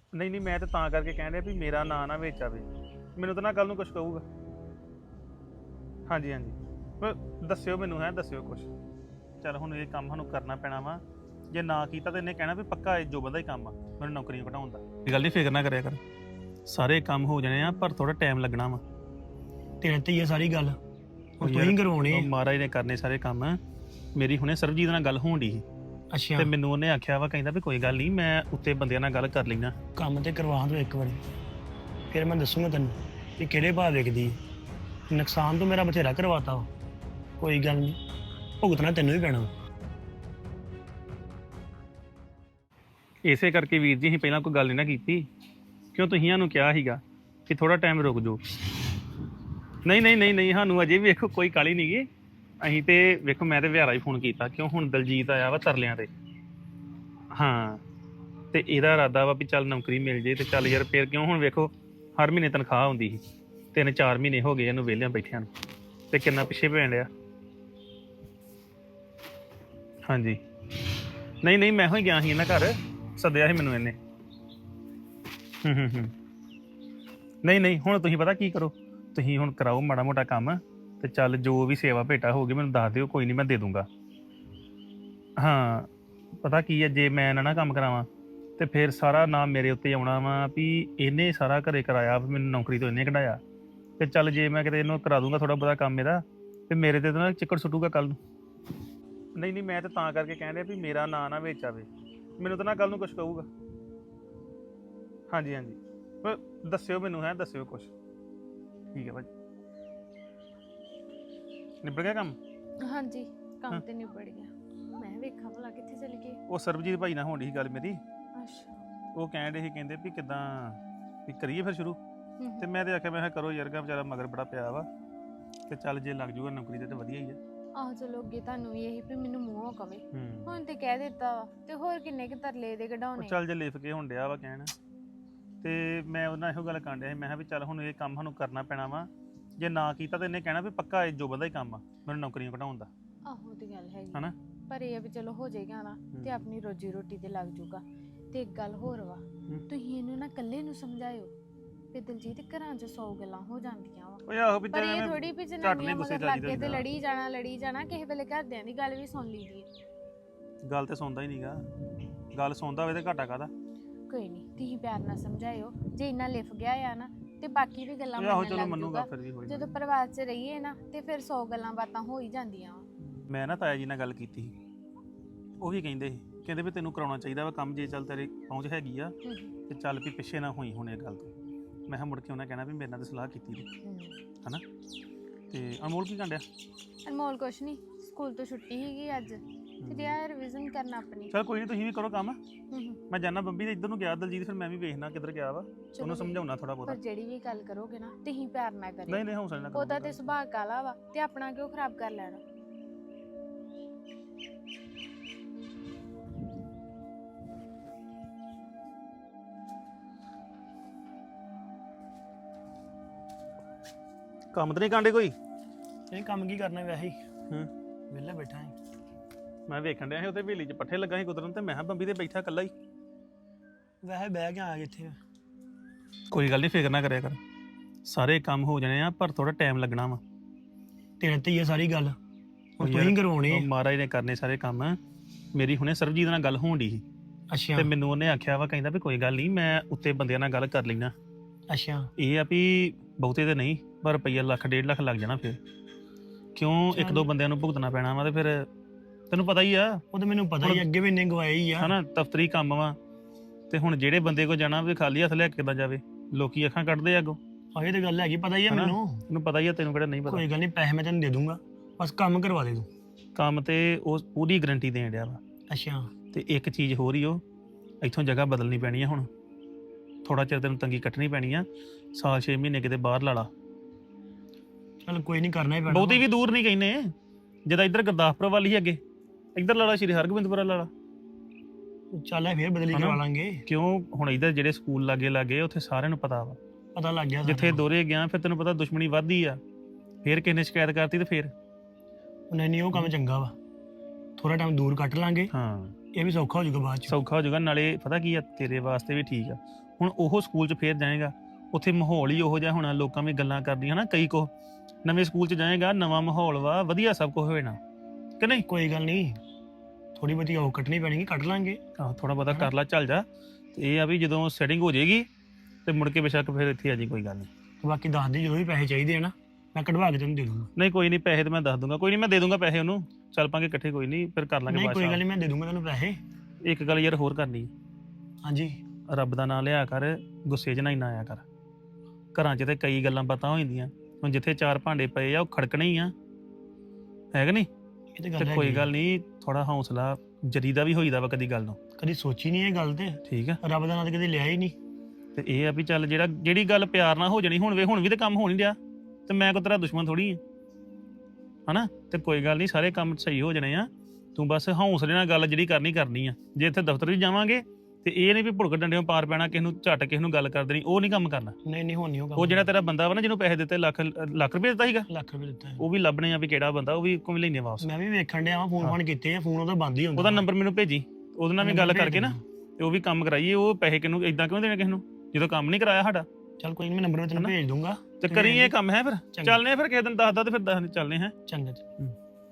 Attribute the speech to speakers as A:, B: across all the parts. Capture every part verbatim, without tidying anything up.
A: ਨਹੀਂ ਨਹੀਂ, ਮੈਂ ਤਾਂ ਤਾਂ ਕਰਕੇ ਕਹਿਣ ਰਿਹਾ ਵੀ ਮੇਰਾ ਨਾਂ ਨਾ ਵਿੱਚ ਆਵੇ। ਮੈਨੂੰ ਤਾਂ ਨਾ ਕੱਲ ਨੂੰ ਕੁਝ ਕਹੂਗਾ। ਹਾਂਜੀ ਹਾਂਜੀ, ਪਰ ਦੱਸਿਓ ਮੈਨੂੰ, ਹੈ ਦੱਸਿਓ ਕੁਝ। ਚੱਲ ਹੁਣ ਇਹ ਕੰਮ ਸਾਨੂੰ ਕਰਨਾ ਪੈਣਾ ਵਾ। ਜੇ ਨਾ ਕੀਤਾ ਤਾਂ ਇਹਨੇ ਕਹਿਣਾ ਵੀ ਪੱਕਾ ਇਹ ਜੋ ਬੰਦਾ ਹੀ ਕੰਮ ਆ ਮੈਨੂੰ ਨੌਕਰੀਆਂ ਘਟਾਉਣ ਦਾ। ਇਹ ਗੱਲ ਦੀ ਫਿਕਰ ਨਾ ਕਰਿਆ ਕਰ, ਸਾਰੇ ਕੰਮ ਹੋ ਜਾਣੇ ਆ, ਪਰ ਥੋੜਾ ਟਾਈਮ ਲੱਗਣਾ ਵਾ।
B: ਤੇਰੇ ਤੇ ਹੀ ਆ ਸਾਰੀ ਗੱਲ,
A: ਉਹ
B: ਹੁਣ ਤੂੰ
A: ਯਾਰ,
B: ਹੀ ਕਰਵਾਉਣੇ
A: ਉਹ
B: ਆ।
A: ਮਹਾਰਾਜ ਨੇ ਕਰਨੇ ਸਾਰੇ ਕੰਮ। ਮੇਰੀ ਹੁਣੇ ਸਰਬਜੀਤ ਨਾਲ ਗੱਲ ਹੋਣ ਡਈ ਸੀ
B: ਅੱਛਾ,
A: ਤੇ ਮੈਨੂੰ ਉਹਨੇ ਆਖਿਆ ਵਾ, ਕਹਿੰਦਾ ਵੀ ਕੋਈ ਗੱਲ ਨਹੀਂ, ਮੈਂ ਉੱਤੇ ਬੰਦਿਆਂ ਨਾਲ ਗੱਲ ਕਰ ਲੈਣਾ।
B: ਕੰਮ ਤੇ ਕਰਵਾ ਦੋ ਇੱਕ ਵਾਰੀ, ਫਿਰ ਮੈਂ ਦੱਸੂਗਾ ਤੈਨੂੰ ਕਿ ਕਿਹੜੇ ਭਾਅ ਵਿਕਦੀ ਹੈ। ਨੁਕਸਾਨ ਤੋਂ ਮੇਰਾ ਬਥੇਰਾ ਕਰਵਾਤਾ ਵਾ, ਕੋਈ ਗੱਲ ਨਹੀਂ, ਭੁਗਤਣਾ ਤੈਨੂੰ ਹੀ ਪੈਣਾ।
A: ਇਸੇ ਕਰਕੇ ਵੀਰ ਜੀ ਅਸੀਂ ਪਹਿਲਾਂ ਕੋਈ ਗੱਲ ਨਹੀਂ ਨਾ ਕੀਤੀ, ਕਿਉਂ ਤੁਸੀਂ ਸਾਨੂੰ ਕਿਹਾ ਸੀਗਾ ਕਿ ਥੋੜਾ ਟਾਈਮ ਰੁਕ ਜਾਓ। ਨਹੀਂ ਨਹੀਂ ਨਹੀਂ ਨਹੀਂ, ਸਾਨੂੰ ਅਜੇ ਵੀ ਵੇਖੋ ਕੋਈ ਕਾਹਲੀ ਨਹੀਂ ਗੀ। ਅਸੀਂ ਤੇ ਵੇਖੋ, ਮੈਂ ਤੇ ਵਿਹਾਰਾ ਹੀ ਫੋਨ ਕੀਤਾ, ਕਿਉਂ ਹੁਣ ਦਲਜੀਤ ਆਇਆ ਵਾ ਤਰਲਿਆਂ ਤੇ। ਹਾਂ, ਤੇ ਇਹਦਾ ਇਰਾਦਾ ਵਾ ਵੀ ਚੱਲ ਨੌਕਰੀ ਮਿਲ ਜੇ ਤੇ ਚੱਲ ਯਾਰ, ਫੇਰ ਕਿਉਂ ਹੁਣ ਵੇਖੋ ਹਰ ਮਹੀਨੇ ਤਨਖਾਹ ਆਉਂਦੀ ਸੀ, ਤਿੰਨ ਚਾਰ ਮਹੀਨੇ ਹੋ ਗਏ ਇਹਨੂੰ ਵਿਹਲਿਆਂ ਬੈਠਿਆਂ ਨੂੰ, ਤੇ ਕਿੰਨਾ ਪਿੱਛੇ ਪੈਣ ਡਿਆ। ਹਾਂਜੀ, ਨਹੀਂ ਨਹੀਂ, ਮੈਂ ਹੀ ਗਿਆ ਸੀ ਇਹਨਾਂ ਘਰ, ਸੱਦਿਆ ਸੀ ਮੈਨੂੰ ਇਹਨੇ। ਹੂੰ ਹੂੰ ਹੂੰ, ਨਹੀਂ ਨਹੀਂ, ਹੁਣ ਤੁਸੀਂ ਪਤਾ ਕੀ ਕਰੋ, ਤੁਸੀਂ ਹੁਣ ਕਰਾਓ ਮਾੜਾ ਮੋਟਾ ਕੰਮ, ਤੇ ਚੱਲ ਜੋ ਵੀ ਸੇਵਾ ਭੇਟਾ ਹੋਊਗੀ ਮੈਨੂੰ ਦੱਸ ਦਿਓ, ਕੋਈ ਨਹੀਂ ਮੈਂ ਦੇ ਦੂੰਗਾ। ਹਾਂ, ਪਤਾ ਕੀ ਹੈ, ਜੇ ਮੈਂ ਨਾ ਨਾ ਕੰਮ ਕਰਾਵਾਂ ਤੇ ਫਿਰ ਸਾਰਾ ਨਾਮ ਮੇਰੇ ਉੱਤੇ ਆਉਣਾ ਵਾ ਵੀ ਇਹਨੇ ਸਾਰਾ ਘਰੇ ਕਰਾਇਆ, ਵੀ ਮੈਨੂੰ ਨੌਕਰੀ ਤੋਂ ਇਹਨੇ ਕਢਾਇਆ। ਤੇ ਚੱਲ ਜੇ ਮੈਂ ਕਿਤੇ ਇਹਨੂੰ ਕਰਾ ਦੂੰਗਾ ਥੋੜਾ ਬਹੁਤਾ ਕੰਮ ਇਹਦਾ, ਤੇ ਮੇਰੇ ਤੇ ਤਾਂ ਨਾ ਚਿੱਕੜ ਸੁੱਟੂਗਾ ਕੱਲ ਨੂੰ। ਨਹੀਂ ਨਹੀਂ, ਮੈਂ ਤਾਂ ਤਾਂ ਕਰਕੇ ਕਹਿਣ ਰਿਹਾ ਵੀ ਮੇਰਾ ਨਾਂ ਨਾ ਵਿੱਚ ਆਵੇ। ਮੈਨੂੰ ਤਾਂ ਨਾ ਕੱਲ ਨੂੰ ਕੁਝ ਕਹੂਗਾ। ਹਾਂਜੀ ਹਾਂਜੀ, ਪਰ ਦੱਸਿਓ ਮੈਨੂੰ, ਹੈ ਦੱਸਿਓ ਕੁਝ। ਠੀਕ ਹੈ ਭਾਜੀ, ਨਿਬੜ ਗਿਆ ਕੰਮ?
C: ਹਾਂਜੀ, ਕੰਮ
A: ਹਾਂ।
C: ਤੇ ਨਿਬੜ ਗਿਆ। ਮੈਂ ਵੇਖਾਂ ਭਲਾ ਕਿੱਥੇ ਚਲ ਗਏ।
A: ਉਹ ਸਰਬਜੀਤ ਭਾਈ ਨਾਲ ਹੋਣ ਡਈ ਸੀ ਗੱਲ ਮੇਰੀ,
C: ਅੱਛਾ।
A: ਉਹ ਕਹਿਣ ਡੇ ਸੀ, ਕਹਿੰਦੇ ਵੀ ਕਿੱਦਾਂ ਵੀ ਕਰੀਏ ਫਿਰ ਸ਼ੁਰੂ।
C: ਹੂੰ
A: ਤੇ ਮੈਂ ਤੇ ਆਖਿਆ, ਮੈਂ ਕਿਹਾ ਕਰੋ ਯਾਰ, ਗਾ ਵਿਚਾਰਾ ਮਗਰ ਬੜਾ ਪਿਆ ਵਾ, ਤੇ ਚੱਲ ਜੇ ਲੱਗ ਜੂਗਾ ਨੌਕਰੀ ਤੇ ਤਾਂ ਵਧੀਆ ਹੀ ਆ।
C: ਆਹ ਚਲੋ, ਅੱਗੇ ਤੁਹਾਨੂੰ ਵੀ ਇਹੀ ਵੀ ਮੈਨੂੰ ਮੂੰਹੋਂ ਕਵੇ,
A: ਹੂੰ,
C: ਹੁਣ ਤੇ ਕਹਿ ਦਿੱਤਾ ਵਾ, ਤੇ ਹੋਰ ਕਿੰਨੇ ਕੁ ਤਰਲੇ ਦੇ
A: ਉਹ
C: ਕਢਾਉਣੇ।
A: ਚੱਲ ਜੇ ਲਿਖ ਕੇ ਹੁਣ ਡਿਆ ਵਾ ਕਹਿਣ। ਤੇ ਮੈਂ ਉਹਨਾਂ ਇਹੋ ਗੱਲ ਕਰਨ ਡਿਆ ਸੀ, ਮੈਂ ਕਿਹਾ ਵੀ ਚੱਲ ਹੁਣ ਇਹ ਕੰਮ ਸਾਨੂੰ ਕਰਨਾ ਪੈਣਾ ਵਾ। ਜੇ ਨਾ ਕੀਤਾ ਤਾਂ ਇਹਨੇ ਕਹਿਣਾ ਵੀ ਪੱਕਾ ਇਹ ਜੋ ਬੰਦਾ ਹੀ ਕੰਮ ਆ ਮੈਨੂੰ ਨੌਕਰੀਆਂ ਘਟਾਉਣ ਦਾ।
C: ਆਹੋ ਤੇ ਗੱਲ ਹੈਗੀ
A: ਹਨਾ?
C: ਪਰ ਇਹ ਆ ਵੀ ਚਲੋ ਹੋ ਜਾਏਗਾ ਨਾ, ਤੇ ਆਪਣੀ ਰੋਜੀ ਰੋਟੀ ਤੇ ਲੱਗ ਜੂਗਾ। ਤੇ ਇੱਕ ਗੱਲ ਹੋਰ ਵਾ, ਤੁਸੀਂ ਇਹਨੂੰ ਨਾ ਇਕੱਲੇ ਨੂੰ ਸਮਝਾਇਓ ਵੀ ਦਲਜੀਤ, ਘਰਾਂ 'ਚ ਸੌ ਗੱਲਾਂ ਹੋ ਜਾਂਦੀਆਂ ਵਾ,
A: ਓਏ ਆਹੋ ਵੀ
C: ਪਰ ਇਹ
A: ਚੱਲ
C: ਥੋੜੀ ਵੀ
A: ਝੱਟ ਨੀ
C: ਜਨਾਨੀਆਂ
A: ਗੁੱਸੇ
C: ਮਗਰ
A: ਚ
C: ਲੱਗ
A: ਆਈਦਾ
C: ਕੇ ਤੇ
A: ਹੁੰਦਾ।
C: ਲੜੀ ਜਾਣਾ ਲੜੀ ਜਾਣਾ, ਕਿਸੇ ਵੇਲੇ ਘਰਦਿਆਂ ਦੀ ਗੱਲ ਵੀ ਸੁਣ ਲਈਦੀ ਹੈ।
A: ਗੱਲ ਤੇ ਸੁਣਦਾ ਹੀ ਨਹੀਂਗਾ, ਗੱਲ ਸੁਣਦਾ ਹੋਵੇ ਤੇ ਘਾਟਾ ਕਾਹਦਾ।
C: ਕੋਈ ਨਹੀਂ, ਤੁਸੀਂ ਪਿਆਰ ਨਾਲ ਸਮਝਾਇਓ, ਜੇ ਇੰਨਾ ਲਿਫ ਗਿਆ ਆ ਨਾ ਤੇ ਬਾਕੀ ਵੀ ਗੱਲਾਂ
A: ਓਏ ਆਹੋ
C: ਮੰਨਣ
A: ਚਲੋ
C: ਲੱਗ
A: ਮੰਨੂਗਾ
C: ਜੂਗਾ।
A: ਫਿਰ ਵੀ ਹੋਈ
C: ਜਦੋਂ ਪਰਿਵਾਰ 'ਚ ਰਹੀਏ ਨਾ, ਤੇ ਫਿਰ ਸੌ ਗੱਲਾਂ ਬਾਤਾਂ ਹੋ ਹੀ ਜਾਂਦੀਆਂ ਵਾ।
A: ਮੈਂ ਨਾ ਤਾਇਆ ਜੀ ਨਾਲ ਗੱਲ ਕੀਤੀ ਸੀ, ਉਹ ਵੀ ਕਹਿੰਦੇ ਸੀ, ਕਹਿੰਦੇ ਵੀ ਤੈਨੂੰ ਕਰਾਉਣਾ ਚਾਹੀਦਾ ਵਾ ਕੰਮ, ਜੇ ਚੱਲ ਤੇਰੀ ਪਹੁੰਚ ਹੈਗੀ ਆ ਤੇ ਚੱਲ ਵੀ ਪਿੱਛੇ ਨਾ ਹੋਈ ਹੁਣ ਇਹ ਗੱਲ ਤੋਂ। ਮੈਂ ਕਿਹਾ ਮੁੜ ਕੇ ਉਹਨਾਂ ਕਹਿਣਾ ਵੀ ਮੇਰੇ ਨਾਲ ਤਾਂ ਸਲਾਹ ਕੀਤੀ ਸੀ, ਹਨਾ? ਤੇ ਅਨਮੋਲ ਕੀ ਕਾਂਡਿਆ?
C: ਅਨਮੋਲ ਕੁਛ ਨਹੀਂ, ਸਕੂਲ ਤੋਂ ਛੁੱਟੀ ਸੀਗੀ ਅੱਜ, ਤੇ ਰਿਹਾ ਰਿਵੀਜ਼ਨ ਕਰਨਾ ਆਪਣੀ।
A: ਚਲ ਕੋਈ ਨਹੀਂ, ਤੁਸੀਂ ਵੀ ਕਰੋ ਕੰਮ।
C: ਹੂੰ ਹੂੰ।
A: ਮੈਂ ਜਾਣਾ ਬੰਬੀ ਦੇ ਇੱਧਰ ਨੂੰ ਗਿਆ ਦਲਜੀਤ, ਫਿਰ ਮੈਂ ਵੀ ਵੇਖਣਾ ਕਿੱਧਰ ਗਿਆ ਵਾ, ਉਹਨੂੰ ਸਮਝਾਉਣਾ ਥੋੜਾ ਬਹੁਤਾ।
C: ਪਰ ਜਿਹੜੀ ਵੀ ਗੱਲ ਕਰੋਗੇ ਨਾ, ਤੁਸੀਂ ਪਿਆਰ ਨਾਲ ਕਰਿਓ।
A: ਨਹੀਂ ਨਹੀਂ, ਹੌਸਲੇ ਨਾਲ
C: ਉਹਦਾ
A: ਕਰੋ।
C: ਤੇ ਸੁਭਾਅ ਕਾਲਾ ਵਾ, ਤੇ ਆਪਣਾ ਕਿਉਂ ਖਰਾਬ ਕਰ ਲੈਣਾ।
A: ਕੰਮ ਤੇ ਨਹੀਂ ਕਾਂਡੇ ਕੋਈ?
B: ਇਹ ਕੰਮ ਕੀ ਕਰਨਾ ਵੈਸੇ ਹੀ,
A: ਹੂੰ,
B: ਵਿਹਲਾ ਬੈਠਾ ਹੈ।
A: ਮੈਂ ਵੇਖਣ ਡਿਆ ਸੀ ਉੱਥੇ ਹਵੇਲੀ 'ਚ ਪੱਠੇ ਲੱਗਾ ਸੀ ਕੁਤਰਨ, ਤੇ ਮੈਂ ਕਿਹਾ ਬੰਬੀ ਤੇ ਬੈਠਾ ਇਕੱਲਾ ਹੀ।
B: ਵੈਸੇ ਬਹਿ ਕੇ ਆ ਗਏ ਇੱਥੇ।
A: ਕੋਈ ਗੱਲ ਨਹੀਂ, ਫਿਕਰ ਨਾ ਕਰਿਆ ਕਰ, ਸਾਰੇ ਕੰਮ ਹੋ ਜਾਣੇ ਆ, ਪਰ ਥੋੜਾ ਟਾਈਮ ਲੱਗਣਾ ਵਾ।
B: ਤੇਰੇ ਤੇ ਹੀ ਆ ਸਾਰੀ ਗੱਲ,
A: ਉਹ
B: ਹੁਣ ਤੂੰ ਹੀ ਕਰਵਾਉਣੇ
A: ਉਹ
B: ਆ।
A: ਮਹਾਰਾਜ ਨੇ ਕਰਨੇ ਸਾਰੇ ਕੰਮ। ਮੇਰੀ ਹੁਣੇ ਸਰਬਜੀਤ ਨਾਲ ਗੱਲ ਹੋਣ ਡਈ ਸੀ,
B: ਅੱਛਾ
A: ਤੇ ਮੈਨੂੰ ਉਹਨੇ ਆਖਿਆ ਵਾ, ਕਹਿੰਦਾ ਵੀ ਕੋਈ ਗੱਲ ਨਹੀਂ, ਮੈਂ ਉੱਤੇ ਬੰਦਿਆਂ ਨਾਲ ਗੱਲ ਕਰ ਲੈਣਾ।
B: ਅੱਛਾ,
A: ਇਹ ਆ ਵੀ ਬਹੁਤੇ ਤੇ ਨਹੀਂ, ਪਰ ਰੁਪਈਆ ਲੱਖ ਡੇਢ ਲੱਖ ਲੱਗ ਜਾਣਾ ਫਿਰ, ਕਿਉਂ ਇੱਕ ਦੋ ਬੰਦਿਆਂ ਨੂੰ ਭੁਗਤਣਾ ਪੈਣਾ ਵਾ, ਤੇ ਫਿਰ ਤੈਨੂੰ ਪਤਾ ਹੀ ਆ,
B: ਉਹ ਤਾਂ ਮੈਨੂੰ ਪਤਾ ਹੀ, ਅੱਗੇ ਵੀ ਇੰਨੇ ਗਵਾਏ ਹੀ ਆ।
A: ਹਨਾ? ਦਫ਼ਤਰੀ ਕੰਮ ਵਾ, ਤੇ ਹੁਣ ਜਿਹੜੇ ਬੰਦੇ ਕੋ ਜਾਣਾ ਵੀ ਖਾਲੀ ਹੱਥ ਲੈ ਕੇ ਕਿੱਦਾਂ ਜਾਵੇ, ਲੋਕੀ ਅੱਖਾਂ ਕੱਢਦੇ ਆ ਅੱਗੋਂ।
B: ਆਹ ਇਹ ਤਾਂ ਗੱਲ ਹੈਗੀ, ਪਤਾ ਹੀ ਆ
A: ਹਨਾ?
B: ਮੈਨੂੰ।
A: ਤੈਨੂੰ ਪਤਾ ਹੀ ਆ, ਤੈਨੂੰ ਕਿਹੜਾ ਨਹੀਂ ਪਤਾ।
B: ਕੋਈ ਗੱਲ ਨਹੀਂ, ਪੈਸੇ ਮੈਂ ਤੈਨੂੰ ਦੇ ਦੂੰਗਾ, ਬਸ ਕੰਮ ਕਰਵਾ ਦੇ ਤੂੰ।
A: ਕੰਮ ਤੇ ਉਹ ਪੂਰੀ ਗਰੰਟੀ ਦੇਣ ਡਿਆ ਵਾ।
B: ਅੱਛਾ,
A: ਤੇ ਇੱਕ ਚੀਜ਼ ਹੋਰ ਹੀ, ਉਹ ਇੱਥੋਂ ਜਗ੍ਹਾ ਬਦਲਣੀ ਪੈਣੀ ਆ ਹੁਣ, ਥੋੜਾ ਚਿਰ ਤੈਨੂੰ ਤੰਗੀ ਕੱਟਣੀ ਪੈਣੀ ਆ, ਸਾਲ ਛੇ ਮਹੀਨੇ ਕਿਤੇ ਬਾਹਰ ਲਾ ਲਾ।
B: ਚਲ ਕੋਈ ਨਹੀਂ, ਕਰਨਾ ਹੀ ਪੈਣਾ।
A: ਬਹੁਤੀ ਵੀ ਦੂਰ ਨਹੀਂ ਕਹਿੰਦੇ, ਜਿੱਦਾਂ ਇੱਧਰ ਗੁਰਦਾਸਪੁਰ ਵੱਲ ਹੀ ਅੱਗੇ, ਇੱਧਰ ਲਾ ਲਾ, ਸ਼੍ਰੀ ਹਰਗੋਬਿੰਦਪੁਰਾ ਲਾ ਲਾ।
B: ਚੱਲ ਇਹ ਫੇਰ ਬਦਲੀ
A: ਹਨਾ?
B: ਕਰਵਾ ਲਾਂਗੇ।
A: ਕਿਉਂ ਹੁਣ ਇੱਧਰ ਜਿਹੜੇ ਸਕੂਲ ਲਾਗੇ ਲਾਗੇ ਉੱਥੇ ਸਾਰਿਆਂ ਨੂੰ ਪਤਾ ਵਾ,
B: ਪਤਾ ਲੱਗ ਗਿਆ
A: ਜਿੱਥੇ ਦੋਰੇ ਗਿਆ ਫਿਰ ਤੈਨੂੰ ਪਤਾ ਦੁਸ਼ਮਣੀ ਵੱਧਦੀ ਆ, ਫੇਰ ਕਿਸੇ ਨੇ ਸ਼ਿਕਾਇਤ ਕਰਤੀ ਤੇ ਫੇਰ।
B: ਨਹੀਂ ਨਹੀਂ, ਉਹ ਕੰਮ ਚੰਗਾ ਵਾ, ਥੋੜਾ ਟਾਈਮ ਦੂਰ ਕੱਟ ਲਾਂਗੇ।
A: ਹਾਂ,
B: ਇਹ ਵੀ ਸੌਖਾ ਹੋ ਜਾਊਗਾ ਬਾਅਦ ਚ।
A: ਸੌਖਾ ਹੋ ਜਾਊਗਾ। ਨਾਲੇ ਪਤਾ ਕੀ ਆ, ਤੇਰੇ ਵਾਸਤੇ ਵੀ ਠੀਕ ਆ। ਹੁਣ ਉਹ ਸਕੂਲ 'ਚ ਫੇਰ ਜਾਏਗਾ, ਉੱਥੇ ਮਾਹੌਲ ਹੀ ਉਹੋ ਜਿਹਾ ਹੋਣਾ, ਲੋਕਾਂ ਵੀ ਗੱਲਾਂ ਕਰਦੀਆਂ ਨਾ ਕਈ ਕੋ। ਨਵੇਂ ਸਕੂਲ 'ਚ ਜਾਏਗਾ, ਨਵਾਂ ਮਾਹੌਲ ਵਾ, ਵਧੀਆ ਸਭ ਕੁਝ ਹੋਣਾ ਕਿ ਨਹੀਂ?
B: ਕੋਈ ਗੱਲ ਨਹੀਂ, ਥੋੜੀ ਬਹੁਤੀ ਉਹ ਕੱਟਣੀ ਪੈਣੀ, ਕੱਢ ਲਾਂਗੇ।
A: ਆਹੋ ਥੋੜਾ ਬਹੁਤਾ ਕਰ ਲਾ, ਚੱਲ ਜਾ। ਤੇ ਇਹ ਆ ਵੀ ਜਦੋਂ ਸੈਟਿੰਗ ਹੋ ਜਾਏਗੀ ਤੇ ਮੁੜ ਕੇ ਬੇਸ਼ੱਕ ਫਿਰ ਇੱਥੇ ਆ ਜੀ, ਕੋਈ ਗੱਲ ਨਹੀਂ।
B: ਬਾਕੀ ਦੱਸ ਦੇ ਜਦੋਂ ਵੀ ਪੈਸੇ ਚਾਹੀਦੇ ਆ ਨਾ, ਮੈਂ ਕਢਵਾ ਕੇ ਤੈਨੂੰ ਦੇ ਦੂੰਗਾ।
A: ਨਹੀਂ ਕੋਈ ਨਹੀਂ, ਪੈਸੇ ਤੇ ਮੈਂ ਦੱਸ ਦੂੰਗਾ, ਕੋਈ ਨਹੀਂ ਮੈਂ ਦੇ ਦੂੰਗਾ ਪੈਸੇ ਉਹਨੂੰ, ਚੱਲ ਪਾਂਗੇ ਇਕੱਠੇ, ਕੋਈ ਨਹੀਂ ਫਿਰ ਕਰ ਲਾਂਗੇ
B: ਨਹੀਂ ਕੋਈ ਗੱਲ
A: ਬਾਅਦ
B: ਨਹੀਂ, ਮੈਂ ਦੇ ਦੂੰਗਾ ਤੈਨੂੰ ਪੈਸੇ।
A: ਚ। ਇੱਕ ਗੱਲ ਯਾਰ ਹੋਰ ਕਰਨੀ,
B: ਹਾਂਜੀ।
A: ਰੱਬ ਦਾ ਨਾਮ ਲਿਆ ਕਰ, ਗੁੱਸੇ 'ਚ ਨਾ ਇੰਨਾ ਆਇਆ ਕਰ। ਘਰਾਂ 'ਚ ਤੇ ਕਈ ਗੱਲਾਂ ਪਤਾ ਹੋ ਜਾਂਦੀਆਂ, ਹੁਣ ਜਿੱਥੇ ਚਾਰ ਭਾਂਡੇ ਪਏ ਆ ਉਹ ਖੜਕਣੇ ਹੀ ਆ, ਹੈ ਕਿ ਨਹੀਂ?
B: ਇਹ ਤੇ
A: ਤੇ
B: ਗੱਲ
A: ਕੋਈ
B: ਹੈਗੀ ਆ।
A: ਗੱਲ ਨਹੀਂ, ਥੋੜਾ ਹੌਸਲਾ ਜਰੀ ਦਾ ਵੀ ਹੋਈਦਾ ਵਾ ਕਦੀ ਗੱਲ ਨੂੰ,
B: ਕਦੀ ਸੋਚੀ ਨਹੀਂ ਇਹ ਗੱਲ ਤੇ,
A: ਠੀਕ ਆ?
B: ਰੱਬ ਦਾ ਨਾਂ ਤੇ ਕਦੇ ਲਿਆ ਹੀ ਨਹੀਂ।
A: ਤੇ ਇਹ ਆ ਵੀ ਚੱਲ ਜਿਹੜਾ ਜਿਹੜੀ ਗੱਲ ਪਿਆਰ ਨਾਲ ਹੋ ਜਾਣੀ, ਹੁਣ ਵੇ ਹੁਣ ਵੀ ਤੇ ਕੰਮ ਹੋ ਨਹੀਂ ਰਿਹਾ, ਤੇ ਮੈਂ ਕੋ ਤੇਰਾ ਦੁਸ਼ਮਣ ਥੋੜੀ ਆ, ਹਨਾ? ਤੇ ਕੋਈ ਗੱਲ ਨਹੀਂ, ਸਾਰੇ ਕੰਮ ਸਹੀ ਹੋ ਜਾਣੇ ਆ, ਤੂੰ ਬਸ ਹੌਸਲੇ ਨਾਲ ਗੱਲ ਜਿਹੜੀ ਕਰਨੀ ਕਰਨੀ ਆ। ਜੇ ਇੱਥੇ ਦਫ਼ਤਰ ਵੀ ਜਾਵਾਂਗੇ ਤੇ ਇਹ ਨਹੀਂ ਵੀ ਭੁੜਕ ਡੰਡਿਓਂ ਪਾਰ ਪੈਣਾ, ਕਿਸੇ ਨੂੰ ਝੱਟ ਕਿਸੇ ਨੂੰ ਗੱਲ ਕਰ ਦੇਣੀ, ਉਹ ਨਹੀਂ ਕੰਮ ਕਰਨਾ।
B: ਨਹੀਂ ਨਹੀਂ ਹੁਣ ਨਹੀਂ
A: ਉਹ ਜਿਹੜਾ ਤੇਰਾ ਬੰਦਾ ਵਾ ਨਾ, ਜਿਹਨੂੰ ਪੈਸੇ ਦਿੱਤੇ, ਲੱਖ ਲੱਖ ਰੁਪਏ ਦਿੱਤਾ ਸੀਗਾ,
B: ਲੱਖ ਰੁਪਏ ਦਿੱਤਾ ਹੈ।
A: ਉਹ ਵੀ ਲੱਭਣੇ ਆ ਵੀ ਕਿਹੜਾ ਬੰਦਾ, ਉਹ ਵੀ ਕੋਈ ਲੈਣੇ ਵਾਪਸ।
B: ਮੈਂ ਵੀ ਵੇਖਣ ਡਿਆ ਵਾਂ, ਫੋਨ ਫਾਨ ਕੀਤੇ ਆ, ਫੋਨ ਉਹਦਾ ਬੰਦ ਹੀ ਹੁੰਦਾ।
A: ਉਹਦਾ ਨੰਬਰ ਮੈਨੂੰ ਭੇਜੀ, ਉਹਦੇ ਨਾਲ ਵੀ ਗੱਲ
B: ਨੰਬਰ
A: ਕਰਕੇ ਨਾ ਤੇ ਉਹ ਵੀ ਕੰਮ ਕਰਾਈਏ। ਉਹ ਪੈਸੇ ਕਿਹਨੂੰ ਇਦਾਂ ਕਿਉਂ ਦੇਣੇ ਕਿਸੇ ਨੂੰ ਜਦੋਂ ਕੰਮ ਨਹੀਂ ਕਰਾਇਆ ਸਾਡਾ?
B: ਚੱਲ ਕੋਈ ਨਹੀਂ, ਮੈਂ ਨੰਬਰ ਮੈਂ ਤੈਨੂੰ ਭੇਜ ਦੂੰਗਾ।
A: ਤੇ ਕਰੀ ਇਹ ਕੰਮ ਹੈ ਫਿਰ।
B: ਚੰਗਾ।
A: ਚੱਲਨੇ ਫਿਰ ਕਿਸੇ ਦਿਨ ਦੱਸਦਾ ਤੇ ਫਿਰ ਦੱਸ ਚੱਲਨੇ ਹੈ।
B: ਚੰਗਾ ਜੀ।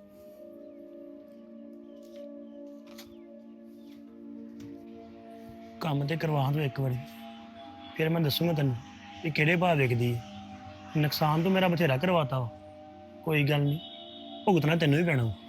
B: ਕੰਮ ਤੇ ਕਰਵਾ ਦੋ ਇੱਕ ਵਾਰੀ, ਫਿਰ ਮੈਂ ਦੱਸੂਗਾ ਤੈਨੂੰ ਕਿ ਕਿਹੜੇ ਭਾਅ ਵਿਕਦੀ ਹੈ। ਨੁਕਸਾਨ ਤੋਂ ਮੇਰਾ ਬਥੇਰਾ ਕਰਵਾਤਾ ਵਾ, ਕੋਈ ਗੱਲ ਨਹੀਂ, ਭੁਗਤਣਾ ਤੈਨੂੰ ਹੀ ਪੈਣਾ ਵਾ।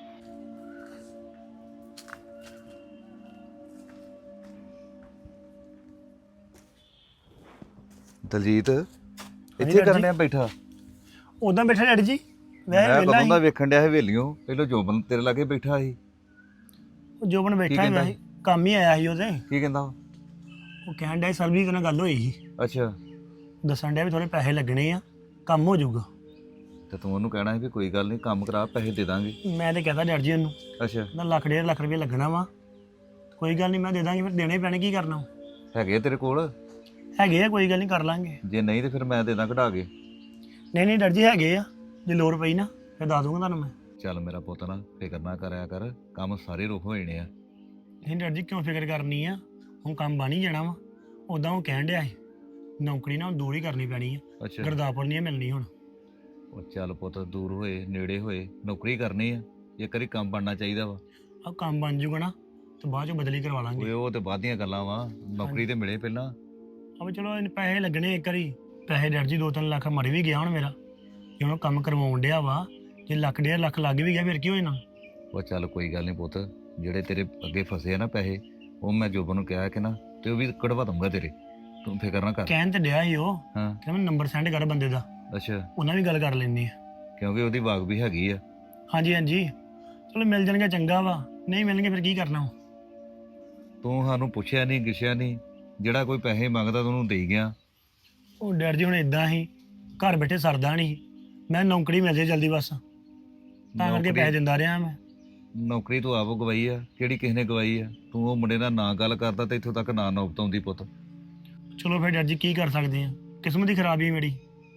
D: ਦਲਜੀਤ ਇੱਥੇ
B: ਡੈਡੀ
D: ਕਰਨ
B: ਜੀ।
D: ਡਿਆ ਬੈਠਾ?
B: ਉਦਾਂ ਬੈਠਾ ਡੈਡੀ ਜੀ,
D: ਮੈਂ
B: ਵੈਸੇ
D: ਕਦੋਂ
B: ਵੇਲਾ
D: ਦਾ ਵੇਖਣ ਡਿਆ ਹਵੇਲੀਓ, ਪਹਿਲਾਂ ਜੋਬਨ ਤੇਰੇ ਲਾਗੇ ਬੈਠਾ ਸੀ।
B: ਜੋਬਨ ਬੈਠਾ ਹੀ
D: ਕਹਿੰਦਾ
B: ਵੈਸੇ ਕੰਮ ਹੀ ਆਇਆ ਸੀ ਉਹਦੇ।
D: ਕੀ ਕਹਿੰਦਾ?
B: ਉਹ ਕਹਿਣ ਡਿਆ ਸਰਬਜੀਤ ਨਾਲ ਗੱਲ ਹੋਈ ਸੀ,
D: ਅੱਛਾ,
B: ਦੱਸਣ ਡਿਆ ਵੀ ਥੋੜੇ ਪੈਸੇ ਲੱਗਣੇ ਆ, ਕੰਮ ਹੋ ਜਾਊਗਾ।
D: ਤੇ ਤੂੰ ਉਹਨੂੰ ਕਹਿਣਾ ਸੀ ਵੀ ਕੋਈ ਗੱਲ ਨਹੀਂ, ਕੰਮ ਕਰਾ, ਪੈਸੇ ਦੇ ਦਾਂਗੇ।
B: ਮੈਂ ਤੇ ਕਹਤਾ ਡੈਡੀ ਜੀ ਉਹਨੂੰ,
D: ਅੱਛਾ,
B: ਨਾ ਲੱਖ ਡੇਢ ਲੱਖ ਰੁਪਏ ਲੱਗਣਾ ਵਾ, ਕੋਈ ਗੱਲ ਨਹੀਂ ਮੈਂ ਦੇ ਦਾਂਗੀ, ਫਿਰ ਦੇਣੇ ਪੈਣੇ, ਕੀ ਕਰਨਾ।
D: ਹੈਗੇ ਆ ਤੇਰੇ ਕੋਲ?
B: ਹੈਗੇ ਆ, ਕੋਈ ਗੱਲ ਨਹੀਂ ਕਰ ਲਾਂਗੇ।
D: ਜੇ ਨਹੀਂ ਤੇ ਫਿਰ ਮੈਂ ਦੇ ਦਾਂ ਕਢਾ ਕੇ।
B: ਨਹੀਂ ਨਹੀਂ ਡੈਡੀ ਜੀ ਹੈਗੇ ਆ, ਜੇ ਲੋੜ ਪਈ ਨਾ ਫਿਰ ਦੱਸ ਦੂੰਗਾ ਤੁਹਾਨੂੰ ਮੈਂ।
D: ਚੱਲ ਮੇਰਾ ਪੁੱਤ ਨਾ ਫਿਕਰ ਨਾ ਕਰਿਆ ਕਰ, ਕੰਮ ਸਾਰੇ ਰੁਕ ਹੋ ਜਾਣੇ ਆ।
B: ਨਹੀਂ ਡੈਡੀ ਜੀ ਕਿਉਂ ਫਿਕਰ ਕਰਨੀ ਆ, ਹੁਣ ਕੰਮ ਬਣ ਹੀ ਜਾਣਾ ਵਾ। ਉਦਾਂ ਉਹ ਕਹਿਣ ਡਿਆ ਸੀ ਨੌਕਰੀ ਨਾ ਹੁਣ ਦੂਰ ਹੀ ਕਰਨੀ ਪੈਣੀ ਆ,
D: ਅੱਛਾ,
B: ਗੁਰਦਾਸਪੁਰ ਨਹੀਂ ਮਿਲਣੀ ਹੁਣ।
D: ਉਹ ਚੱਲ ਪੁੱਤ, ਦੂਰ ਹੋਏ ਨੇੜੇ ਹੋਏ ਨੌਕਰੀ ਕਰਨੀ ਆ, ਇੱਕ ਵਾਰੀ ਕੰਮ ਬਣਨਾ ਚਾਹੀਦਾ ਵਾ।
B: ਆਹ ਕੰਮ ਬਣ ਜੂਗਾ ਨਾ ਤੇ ਬਾਅਦ ਚੋਂ ਬਦਲੀ ਕਰਵਾ ਲਾਂਗੇ।
D: ਓਏ ਉਹ ਤੇ ਬਾਅਦ ਦੀਆਂ ਗੱਲਾਂ ਵਾ, ਨੌਕਰੀ ਤੇ ਮਿਲੇ ਪਹਿਲਾਂ।
B: ਅਬ ਚਲੋ ਇਹਨੇ ਪੈਸੇ ਲੱਗਣੇ ਇੱਕ ਵਾਰੀ, ਪੈਸੇ ਡੈਡੀ ਜੀ ਦੋ ਤਿੰਨ ਲੱਖ ਮਰ ਵੀ ਗਿਆ ਹੁਣ ਮੇਰਾ, ਜੇ ਹੁਣ ਕੰਮ ਕਰਵਾਉਣ ਡਿਆ ਵਾ, ਜੇ ਲੱਖ ਡੇਢ ਲੱਖ ਲੱਗ ਵੀ ਗਿਆ ਫਿਰ ਕੀ ਹੋ ਜਾਣਾ।
D: ਉਹ ਚੱਲ ਕੋਈ ਗੱਲ ਨਹੀਂ ਪੁੱਤ, ਜਿਹੜੇ ਤੇਰੇ ਅੱਗੇ ਫਸੇ ਆ ਨਾ ਪੈਸੇ, ਉਹ ਮੈਂ ਜੋਬਨ ਨੂੰ ਕਿਹਾ ਕਿ ਨਾ, ਤੇ ਉਹ ਵੀ ਕਢਵਾ ਦੂੰਗਾ ਤੇਰੇ, ਤੂੰ ਫਿਕਰ ਨਾ ਕਰ।
B: ਕਹਿਣ ਤੇ ਡਿਆ ਸੀ ਉਹ,
D: ਹਾਂ,
B: ਕਹਿੰਦਾ ਮੈਨੂੰ ਨੰਬਰ ਸੈਂਡ ਕਰ ਬੰਦੇ ਦਾ,
D: ਅੱਛਾ,
B: ਉਹਨਾਂ ਵੀ ਗੱਲ ਕਰ ਲੈਂਦੇ ਆ।
D: ਕਿਉਂਕਿ ਉਹਦੀ ਵਾਗ ਵੀ ਹੈਗੀ ਆ।
B: ਹਾਂਜੀ ਹਾਂਜੀ, ਚਲੋ ਮਿਲ ਜਾਣਗੇ ਚੰਗਾ ਵਾ, ਨਹੀਂ ਮਿਲਣਗੇ ਫਿਰ ਕੀ ਕਰਨਾ।
D: ਤੂੰ ਸਾਨੂੰ ਪੁੱਛਿਆ ਨਹੀਂ ਗਿਛਿਆ ਨਹੀਂ, ਜਿਹੜਾ ਕੋਈ ਪੈਸੇ ਮੰਗਦਾ ਤੂੰ ਉਹਨੂੰ ਦੇਈ ਗਿਆ।
B: ਉਹ ਡੈਡ ਜੀ ਹੁਣ ਇਦਾਂ ਹੀ ਘਰ ਬੈਠੇ ਸਰਦਾ ਨਹੀਂ, ਮੈਂ ਨੌਕਰੀ ਮਿਲ ਜੇ ਜਲਦੀ ਬਸ, ਤਾਂ ਕਰਕੇ
D: ਨੌਕਰੀ-
B: ਪੈਸੇ ਦਿੰਦਾ ਰਿਹਾ ਮੈਂ।
D: ਨੌਕਰੀ ਤੂੰ ਆਪ ਗਵਾਈ ਆ, ਕਿਹੜੀ ਕਿਸੇ ਨੇ ਗਵਾਈ ਆ? ਤੂੰ ਉਹ ਮੁੰਡੇ ਨਾਲ ਨਾ ਗੱਲ ਕਰਦਾ ਤੇ ਇੱਥੋਂ ਤੱਕ ਨਾ ਨੌਬਤ ਆਉਂਦੀ ਪੁੱਤ।
B: ਚਲੋ ਫਿਰ ਡੈਡ ਜੀ ਕੀ ਕਰ ਸਕਦੇ ਆ, ਕਿਸਮਤ ਦੀ ਖਰਾਬੀ ਮੇਰੀ।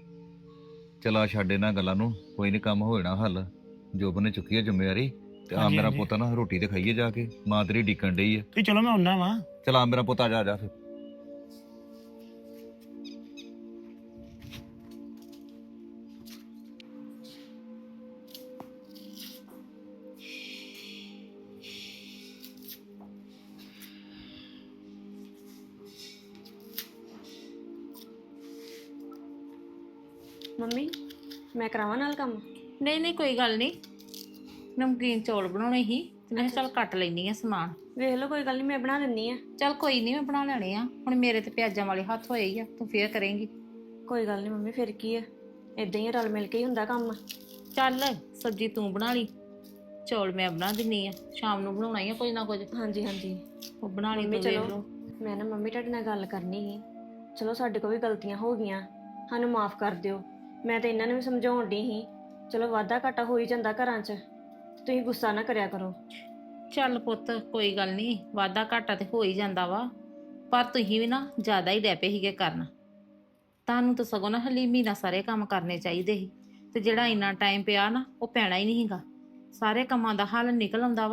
D: ਚਲਾ ਛੱਡ ਇਹਨਾਂ ਗੱਲਾਂ ਨੂੰ, ਕੋਈ ਨਹੀਂ, ਕੰਮ ਹੋ ਜਾਣਾ ਹੱਲ। ਜੋਬਨ ਨੇ ਚੁੱਕੀ ਆ ਜ਼ਿੰਮੇਵਾਰੀ, ਤੇ ਆ
B: ਹਾਂਜੀ,
D: ਮੇਰਾ
B: ਹਾਂਜੀ।
D: ਪੁੱਤ ਨਾ ਰੋਟੀ ਤੇ ਖਾਈਏ ਜਾ ਕੇ, ਮਾਂ ਤੇਰੀ ਡੀਕਣ ਡਈ ਆ।
B: ਤੁਸੀਂ ਚਲੋ ਮੈਂ ਆਉਣਾ ਵਾ।
D: ਚਲਾ ਮੇਰਾ ਪੁੱਤ, ਆ ਜਾ ਆ ਜਾ ਫਿਰ।
E: ਮੰਮੀ ਮੈਂ ਕਰਾਵਾਂ ਨਾਲ ਕੰਮ?
F: ਨਹੀਂ ਨਹੀਂ ਕੋਈ ਗੱਲ ਨਹੀਂ, ਨਮਕੀਨ ਚੌਲ ਬਣਾਉਣੇ ਸੀ ਤੇ ਮੈਂ ਕਿਹਾ ਚੱਲ ਕੱਟ ਲੈਣੀ ਆ ਸਮਾਨ।
E: ਵੇਖ ਲਓ, ਕੋਈ ਗੱਲ ਨਹੀਂ, ਮੈਂ ਬਣਾ ਦਿੰਨੀ ਆ।
F: ਚੱਲ ਕੋਈ ਨਹੀਂ, ਮੈਂ ਬਣਾ ਲੈਣੇ ਆ। ਹੁਣ ਮੇਰੇ ਤੇ ਪਿਆਜ਼ਾਂ ਵਾਲੇ ਹੱਥ ਹੋਏ ਹੀ ਆ, ਤੂੰ ਫੇਰ ਕਰੇਂਗੀ।
E: ਕੋਈ ਗੱਲ ਨਹੀਂ ਮੰਮੀ, ਫਿਰ ਕੀ ਆ, ਇਦਾਂ ਹੀ ਆ, ਰਲ ਮਿਲ ਕੇ ਹੀ ਹੁੰਦਾ ਕੰਮ।
F: ਚੱਲ ਸਬਜ਼ੀ ਤੂੰ ਬਣਾ ਲਈ, ਚੌਲ ਮੈਂ ਬਣਾ ਦਿੰਨੀ ਆ, ਸ਼ਾਮ ਨੂੰ ਬਣਾਉਣਾ ਹੀ ਆ ਕੁਝ ਨਾ ਕੁਝ।
E: ਹਾਂਜੀ ਹਾਂਜੀ
F: ਉਹ ਬਣਾ ਲਈ
E: ਮੰਮੀ
F: ਤੂੰ, ਵੇਖ
E: ਚਲੋ,
F: ਲਓ।
E: ਮੈਂ ਨਾ ਮੰਮੀ ਤੁਹਾਡੇ ਨਾਲ ਗੱਲ ਕਰਨੀ ਸੀ। ਚਲੋ ਸਾਡੇ ਕੋਲ ਵੀ ਗਲਤੀਆਂ ਹੋ ਗਈਆਂ, ਸਾਨੂੰ ਮਾਫ ਕਰ ਦਿਓ। ਮੈਂ ਤਾਂ ਇਹਨਾਂ ਨੂੰ ਵੀ ਸਮਝਾਉਣ ਡਈ ਸੀ, ਚਲੋ ਵਾਧਾ ਘਾਟਾ ਹੋ ਹੀ ਜਾਂਦਾ ਘਰਾਂ 'ਚ, ਤੁਸੀਂ ਗੁੱਸਾ ਨਾ ਕਰਿਆ ਕਰੋ।
F: ਚੱਲ ਪੁੱਤ ਕੋਈ ਗੱਲ ਨਹੀਂ, ਵਾਧਾ ਘਾਟਾ ਤੇ ਹੋ ਹੀ ਜਾਂਦਾ ਵਾ, ਪਰ ਤੁਸੀਂ ਵੀ ਨਾ ਜ਼ਿਆਦਾ ਹੀ ਡੈਪੇ ਸੀਗੇ ਕਰਨ। ਤੁਹਾਨੂੰ ਤਾਂ ਸਗੋਂ ਨਾ ਹਲੀਮੀ ਨਾਲ ਸਾਰੇ ਕੰਮ ਕਰਨੇ ਚਾਹੀਦੇ ਸੀ, ਤੇ ਜਿਹੜਾ ਇੰਨਾ ਟਾਈਮ ਪਿਆ ਨਾ ਉਹ ਪੈਣਾ ਹੀ ਨਹੀਂ ਸੀਗਾ। ਸਾਰੇ ਕੰਮਾਂ ਦਾ ਹੱਲ ਨਿਕਲ ਆਉਂਦਾ ਵਾ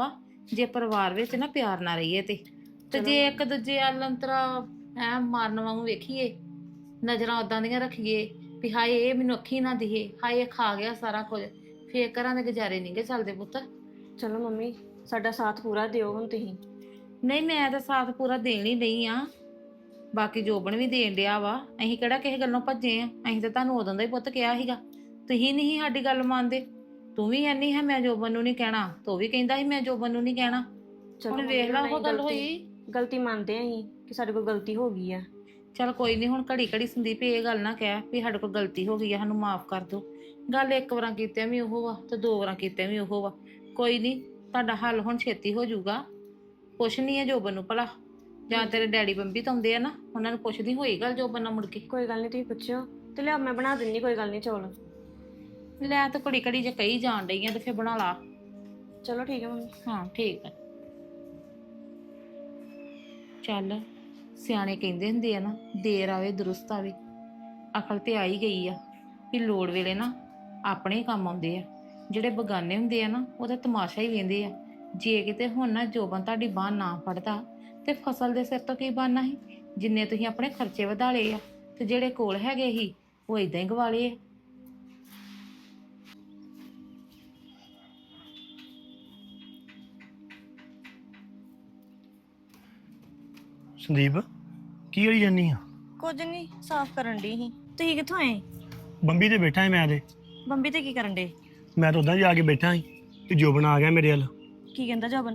F: ਜੇ ਪਰਿਵਾਰ ਵਿੱਚ ਨਾ ਪਿਆਰ ਨਾ ਰਹੀਏ ਤੇ ਤੇ ਜੇ ਇੱਕ ਦੂਜੇ ਵੱਲ ਅੰਤਰਾ ਐ ਮਾਰਨ ਵਾਂਗੂ ਵੇਖੀਏ, ਨਜ਼ਰਾਂ ਉਦਾਂ ਦੀਆਂ ਰੱਖੀਏ ਵੀ ਹਾਏ ਇਹ ਮੈਨੂੰ ਅੱਖੀ ਨਾ ਦਿਖੇ, ਹਾਏ ਇਹ ਖਾ ਗਿਆ ਸਾਰਾ ਕੁਝ, ਫੇਰ ਘਰਾਂ ਦੇ ਗੁਜ਼ਾਰੇ ਨਹੀਂਗੇ ਚੱਲਦੇ ਪੁੱਤ।
E: ਚਲੋ ਮੰਮੀ ਸਾਡਾ ਸਾਥ ਪੂਰਾ ਦਿਓ ਹੁਣ ਤੁਸੀਂ।
F: ਨਹੀਂ ਮੈਂ ਤਾਂ ਸਾਥ ਪੂਰਾ ਦੇਣ ਹੀ ਨਹੀਂ ਆ, ਬਾਕੀ ਜੋਬਨ ਵੀ ਦੇਣ ਡਿਆ ਵਾ। ਅਸੀਂ ਕਿਹੜਾ ਕਿਸੇ ਗੱਲੋਂ ਭੱਜੇ ਆ, ਅਸੀਂ ਤਾਂ ਤੁਹਾਨੂੰ ਉਦੋਂ ਦਾ ਹੀ ਪੁੱਤ ਕਿਹਾ ਸੀਗਾ, ਤੁਸੀਂ ਨਹੀਂ ਸਾਡੀ ਗੱਲ ਮੰਨਦੇ। ਤੂੰ ਵੀ ਐਨੀ ਹੈ ਮੈਂ ਜੋਬਨ ਨੂੰ ਨਹੀਂ ਕਹਿਣਾ, ਤੂੰ ਵੀ ਕਹਿੰਦਾ ਸੀ ਮੈਂ ਜੋਬਨ ਨੂੰ ਨਹੀਂ ਕਹਿਣਾ।
E: ਚਲੋ
F: ਹੁਣ
E: ਮੰਮੀ,
F: ਵੇਖ ਲਾ ਉਹ
E: ਨਹੀਂ
F: ਗੱਲ
E: ਗਲਤੀ-
F: ਹੋਈ।
E: ਗਲਤੀ ਮੰਨਦੇ ਆਂ ਅਸੀਂ ਕਿ ਸਾਡੇ ਕੋਲ ਗਲਤੀ ਹੋ ਗਈ ਆ।
F: ਚੱਲ ਕੋਈ ਨਹੀਂ, ਹੁਣ ਘੜੀ ਘੜੀ ਸੰਦੀਪ ਇਹ ਗੱਲ ਨਾ ਕਹਿ ਵੀ ਸਾਡੇ ਕੋਲ ਗਲਤੀ ਹੋ ਗਈ ਆ, ਸਾਨੂੰ ਮਾਫ ਕਰ ਦਿਓ। ਗੱਲ ਇੱਕ ਵਾਰਾਂ ਕੀਤਿਆਂ ਵੀ ਉਹ ਵਾ ਤੇ ਦੋ ਵਾਰਾਂ ਕੀਤਿਆਂ ਵੀ ਉਹ ਵਾ। ਕੋਈ ਨਹੀਂ, ਤੁਹਾਡਾ ਹੱਲ ਹੁਣ ਛੇਤੀ ਹੋ ਜਾਊਗਾ। ਪੁੱਛ ਨਹੀਂ ਹੈ ਜੋਬਨ ਨੂੰ ਭਲਾ, ਜਾਂ ਤੇਰੇ ਡੈਡੀ ਬੰਬੀ ਤਾਂ ਆਉਂਦੇ ਆ ਨਾ, ਉਹਨਾਂ ਨੂੰ ਪੁੱਛਦੀ ਹੋਈ ਗੱਲ ਜੋਬਨ ਨਾਲ ਮੁੜ ਕੇ।
E: ਕੋਈ ਗੱਲ ਨਹੀਂ ਤੁਸੀਂ ਪੁੱਛਿਓ ਤੇ ਲਿਆ ਮੈਂ ਬਣਾ ਦਿੰਨੀ, ਕੋਈ ਗੱਲ ਨਹੀਂ ਚੌਲ।
F: ਲੈ ਤਾਂ ਘੜੀ ਘੜੀ ਜੇ ਕਹੀ ਜਾਣ ਡਈ ਆ ਤੇ ਫਿਰ ਬਣਾ ਲਾ।
E: ਚਲੋ ਠੀਕ ਹੈ ਮੰਮੀ।
F: ਹਾਂ ਠੀਕ ਹੈ। ਚੱਲ ਸਿਆਣੇ ਕਹਿੰਦੇ ਹੁੰਦੇ ਆ ਨਾ, ਦੇਰ ਆਵੇ ਦਰੁਸਤ ਆਵੇ। ਅਕਲ ਤੇ ਆ ਹੀ ਗਈ ਆ ਵੀ ਲੋੜ ਵੇਲੇ ਨਾ ਆਪਣੇ ਹੀ ਕੰਮ ਆਉਂਦੇ ਆ, ਜਿਹੜੇ ਬਗਾਨੇ ਹੁੰਦੇ ਆ ਨਾ ਉਹਦਾ ਤਮਾਸ਼ਾ ਹੀ ਵੇਂਦੇ ਆ। ਜੇ ਕਿਤੇ ਹੁਣ ਨਾ ਜੋਬਨ ਤੁਹਾਡੀ ਬਾਂਹ ਨਾ ਫੜਦਾ ਤੇ ਫਸਲ ਦੇ ਸਿਰ ਤੋਂ ਕੀ ਬਣਨਾ ਸੀ? ਜਿੰਨੇ ਤੁਸੀਂ ਆਪਣੇ ਖਰਚੇ ਵਧਾ ਲਏ ਆ ਤੇ ਜਿਹੜੇ ਕੋਲ ਹੈਗੇ ਸੀ ਉਹ ਇਦਾਂ ਹੀ ਗਵਾ ਲਏ ਆ।
B: ਸੰਦੀਪ ਕੀ ਕਰੀ ਜਾਨੀ ਆ?
E: ਕੁਝ ਨਹੀਂ, ਸਾਫ਼ ਕਰਨ ਦੀ ਸੀ। ਤੁਸੀਂ ਕਿੱਥੋਂ ਆਏ?
B: ਬੰਬੀ ਤੇ ਬੈਠਾ ਸੀ ਮੈਂ ਤੇ
E: ਬੰਬੀ ਤੇ ਕੀ ਕਰਨ ਦੇ?
B: ਮੈਂ ਤਾਂ ਉਦਾਂ ਜਾ ਕੇ ਬੈਠਾ ਸੀ ਤੇ ਜੋਬਨ ਆ ਗਿਆ ਮੇਰੇ ਵੱਲ।
E: ਕੀ ਕਹਿੰਦਾ ਜੋਬਨ?